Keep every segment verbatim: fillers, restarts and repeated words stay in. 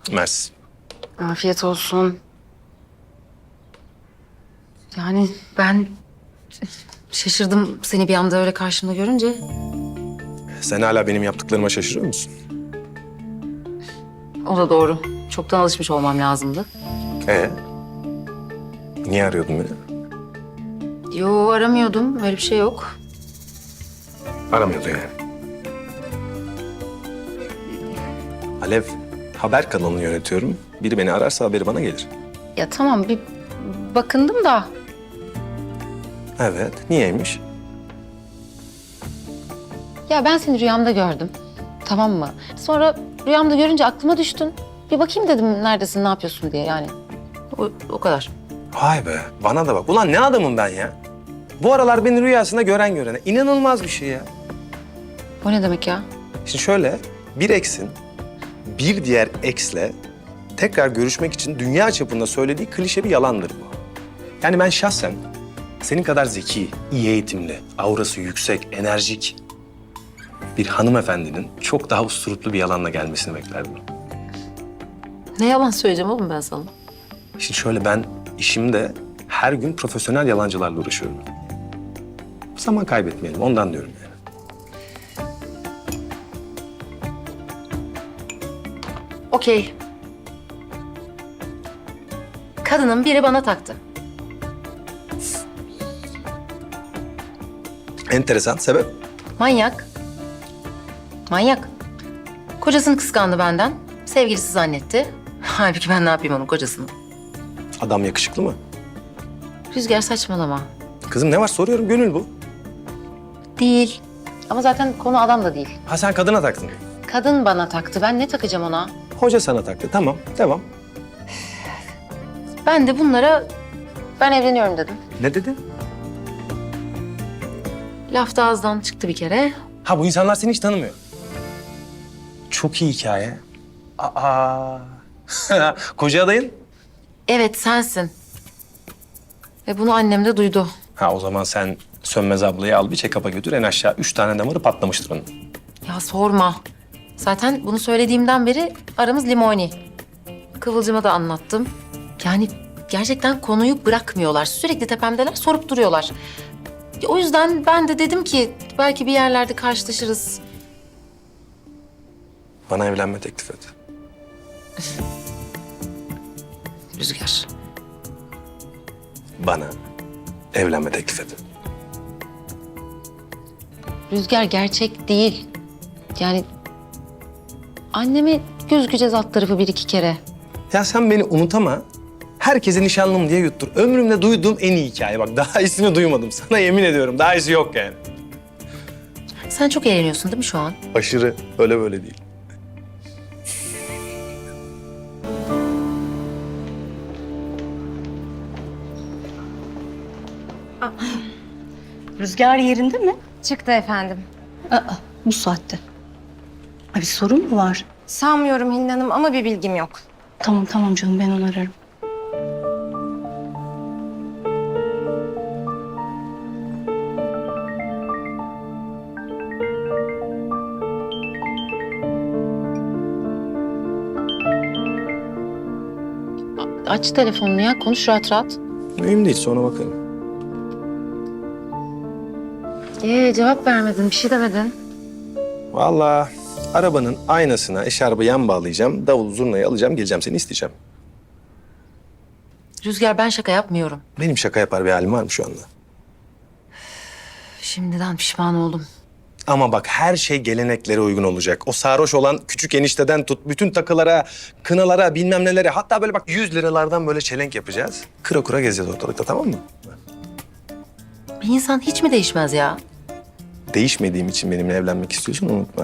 Mersi. Afiyet olsun. Yani ben şaşırdım seni bir anda öyle karşımda görünce. Sen hala benim yaptıklarıma şaşırıyor musun? O da doğru. Çoktan alışmış olmam lazımdı. Ee? Niye arıyordun beni? Yo, aramıyordum. Öyle bir şey yok. Aramıyordun yani. Alev, haber kanalını yönetiyorum. Biri beni ararsa haberi bana gelir. Ya tamam, bir bakındım da. Evet, niyeymiş? Ya ben seni rüyamda gördüm. Tamam mı? Sonra rüyamda görünce aklıma düştün. Bir bakayım dedim neredesin, ne yapıyorsun diye yani. O, o kadar. Vay be, bana da bak. Ulan ne adamım ben ya? Bu aralar beni rüyasında gören görene. İnanılmaz bir şey ya. O ne demek ya? Şimdi şöyle, bir eksin bir diğer eksle tekrar görüşmek için dünya çapında söylediği klişe bir yalandır bu. Yani ben şahsen senin kadar zeki, iyi eğitimli, aurası yüksek, enerjik bir hanımefendinin çok daha usturuplu bir yalanla gelmesini beklerdim. Ne yalan söyleyeceğim oğlum ben sana? Şimdi şöyle, ben işimde her gün profesyonel yalancılarla uğraşıyorum. Zaman kaybetmeyelim, ondan diyorum yani. Okey. Kadının biri bana taktı. Enteresan, sebep? Manyak. Manyak. Kocasını kıskandı benden. Sevgilisi zannetti. Halbuki ben ne yapayım onun kocasını? Adam yakışıklı mı? Rüzgar saçmalama. Kızım ne var soruyorum, gönül bu. Değil. Ama zaten konu adam da değil. Ha sen kadına taktın. Kadın bana taktı. Ben ne takacağım ona? Hoca sana taktı, tamam, devam. Ben de bunlara ben evleniyorum dedim. Ne dedin? Laf da ağızdan çıktı bir kere. Ha bu insanlar seni hiç tanımıyor. Çok iyi hikaye. Aa. Koca adayın? Evet, sensin. Ve bunu annem de duydu. Ha o zaman sen Sönmez ablayı al bir check-up'a götür, en aşağı üç tane damarı patlamıştır onun. Ya sorma. Zaten bunu söylediğimden beri aramız limoni. Kıvılcım'a da anlattım. Yani gerçekten konuyu bırakmıyorlar. Sürekli tepemdeler, sorup duruyorlar. O yüzden ben de dedim ki belki bir yerlerde karşılaşırız. Bana evlenme teklif et. Rüzgar. Bana evlenme teklif et. Rüzgar gerçek değil. Yani anneme gözükeceğiz alt tarafı bir iki kere. Ya sen beni unutama. Herkese nişanlım diye yuttur. Ömrümde duyduğum en iyi hikaye. Bak daha iyisini duymadım. Sana yemin ediyorum. Daha iyisi yok yani. Sen çok eğleniyorsun değil mi şu an? Aşırı. Öyle böyle değil. Rüzgar yerinde mi? Çıktı efendim. Aa, bu saatte. Ay, bir sorun mu var? Sanmıyorum Hilal Hanım ama bir bilgim yok. Tamam tamam canım, ben onu ararım. Aç telefonunu ya, konuş rahat rahat. Mühim değil, sonra bakarım. Ee, cevap vermedin, bir şey demedin. Vallahi arabanın aynasına eşarbı yan bağlayacağım. Davul zurnayı alacağım, geleceğim seni isteyeceğim. Rüzgar, ben şaka yapmıyorum. Benim şaka yapar bir halim var mı şu anda? Şimdiden pişman oldum. Ama bak her şey geleneklere uygun olacak. O sarhoş olan küçük enişteden tut, bütün takılara, kınalara, bilmem nelere. Hatta böyle bak yüz liralardan böyle çelenk yapacağız. Kıra kıra gezeceğiz ortalıkta, tamam mı? Bir insan hiç mi değişmez ya? Değişmediğim için benimle evlenmek istiyorsun, unutma.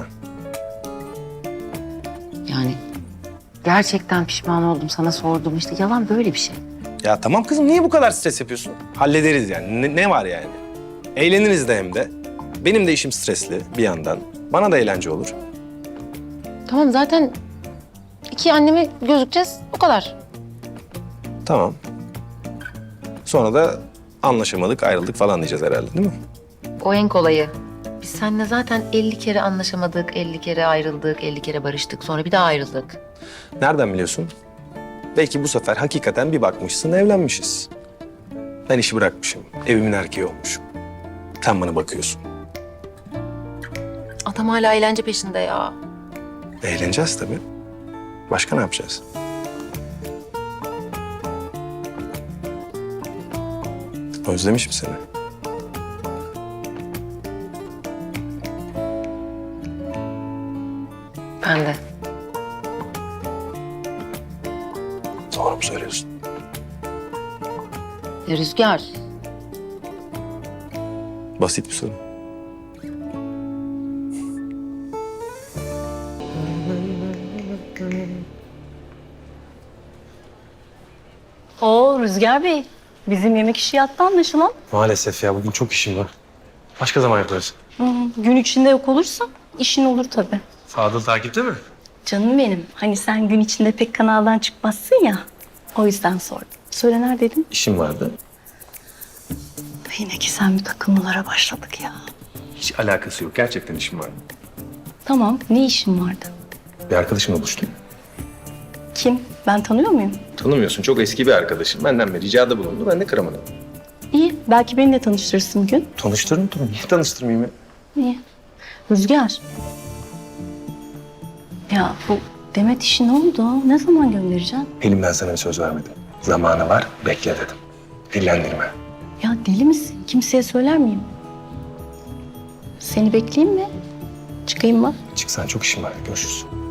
Yani gerçekten pişman oldum, sana sordum. İşte yalan böyle bir şey. Ya tamam kızım, niye bu kadar stres yapıyorsun? Hallederiz yani. Ne, ne var yani? Eğleniriz de hem de. Benim de işim stresli bir yandan. Bana da eğlence olur. Tamam, zaten iki anneme gözükeceğiz, o kadar. Tamam. Sonra da anlaşamadık, ayrıldık falan diyeceğiz herhalde, değil mi? O en kolayı. biz seninle zaten elli kere anlaşamadık, elli kere ayrıldık, elli kere barıştık. Sonra bir daha ayrıldık. Nereden biliyorsun? Belki bu sefer hakikaten bir bakmışsın evlenmişiz. Ben işi bırakmışım, evimin erkeği olmuşum. Sen bana bakıyorsun. Adam hala eğlence peşinde ya. Eğleneceğiz tabii. Başka ne yapacağız? Özlemişim seni. Ben de. Doğru mu söylüyorsun? Ya Rüzgar, Basit bir soru. Oo Rüzgar Bey. Bizim yemek işi yattı anlaşılan. Maalesef ya bugün çok işim var. Başka zaman yaparız. Hı, gün içinde yok olursa işin olur tabii. Fadıl takipte mi? Canım benim. Hani sen gün içinde pek kanaldan çıkmazsın ya. O yüzden sordum. Söyle neredeydin? İşim vardı. Yine ki sen bir takılmalara başladık ya. Hiç alakası yok. Gerçekten işim vardı. Tamam. Ne işin vardı? Bir arkadaşımla buluştum. Kim? Ben tanıyor muyum? Tanımıyorsun. Çok eski bir arkadaşım. Benden bir ricada bulundu. Ben de kıramadım. İyi. Belki beni de tanıştırırsın bir gün. Tanıştırın tabii. Niye tanıştırmayayım ya? İyi. Rüzgar. Ya bu Demet işi ne oldu? Ne zaman göndereceksin? Elimden sana bir söz vermedim. Zamanı var. Bekle dedim. Dillendirme. Ya deli misin? Kimseye söyler miyim? Seni bekleyeyim mi? Çıkayım mı? Çıksan çok işim var. Görüşürüz.